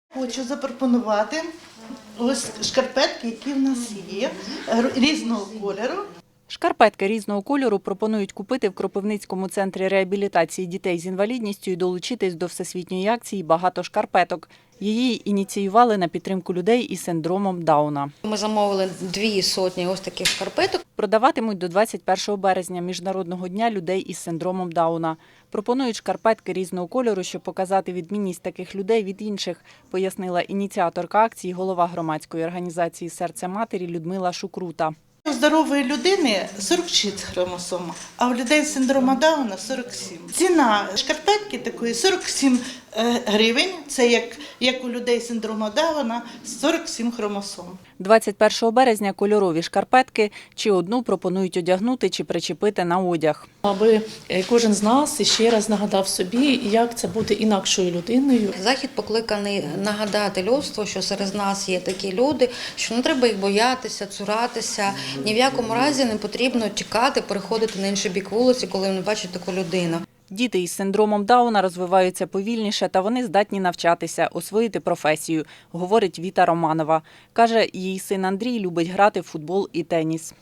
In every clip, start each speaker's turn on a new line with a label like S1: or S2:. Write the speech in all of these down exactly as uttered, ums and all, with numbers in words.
S1: Хочу запропонувати ось шкарпетки, які в нас є, різного кольору.
S2: Шкарпетки різного кольору пропонують купити в Кропивницькому центрі реабілітації дітей з інвалідністю і долучитись до всесвітньої акції «Багато шкарпеток». Її ініціювали на підтримку людей із синдромом Дауна.
S3: Ми замовили дві сотні ось таких шкарпеток.
S2: Продаватимуть до двадцять першого березня, Міжнародного дня людей із синдромом Дауна. Пропонують шкарпетки різного кольору, щоб показати відмінність таких людей від інших, пояснила ініціаторка акції, голова громадської організації «Серце матері» Людмила Шукрута.
S1: У здорової людини сорок шість хромосом, а у людей з синдромом Дауна сорок сім. Ціна шкарпетки такої сорок сім гривень, це як, як у людей з синдромом Дауна сорок сім хромосом.
S2: двадцять першого березня кольорові шкарпетки чи одну пропонують одягнути чи причепити на одяг.
S4: Аби кожен з нас ще раз нагадав собі, як це бути інакшою людиною.
S3: Захід покликаний нагадати людству, що серед нас є такі люди, що не треба їх боятися, цуратися. Ні в якому разі не потрібно тікати, переходити на інший бік вулиці, коли вони бачать таку людину.
S2: Діти із синдромом Дауна розвиваються повільніше та вони здатні навчатися, освоїти професію, говорить Віта Романова. Каже, її син Андрій любить грати в футбол і теніс.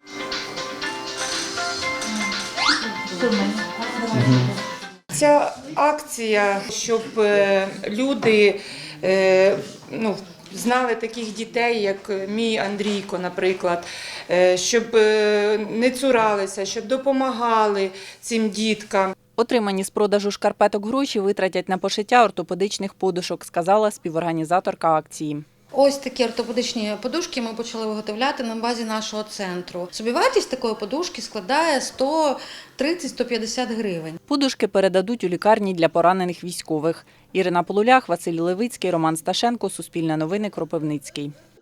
S5: Ця акція, щоб люди ну, знали таких дітей, як мій Андрійко, наприклад, щоб не цуралися, щоб допомагали цим діткам.
S2: Отримані з продажу шкарпеток гроші витратять на пошиття ортопедичних подушок, сказала співорганізаторка акції.
S3: Ось такі ортопедичні подушки ми почали виготовляти на базі нашого центру. Собівартість такої подушки складає сто тридцять - сто п'ятдесят гривень.
S2: Подушки передадуть у лікарні для поранених військових. Ірина Полулях, Василь Левицький, Роман Сташенко, Суспільне новини, Кропивницький.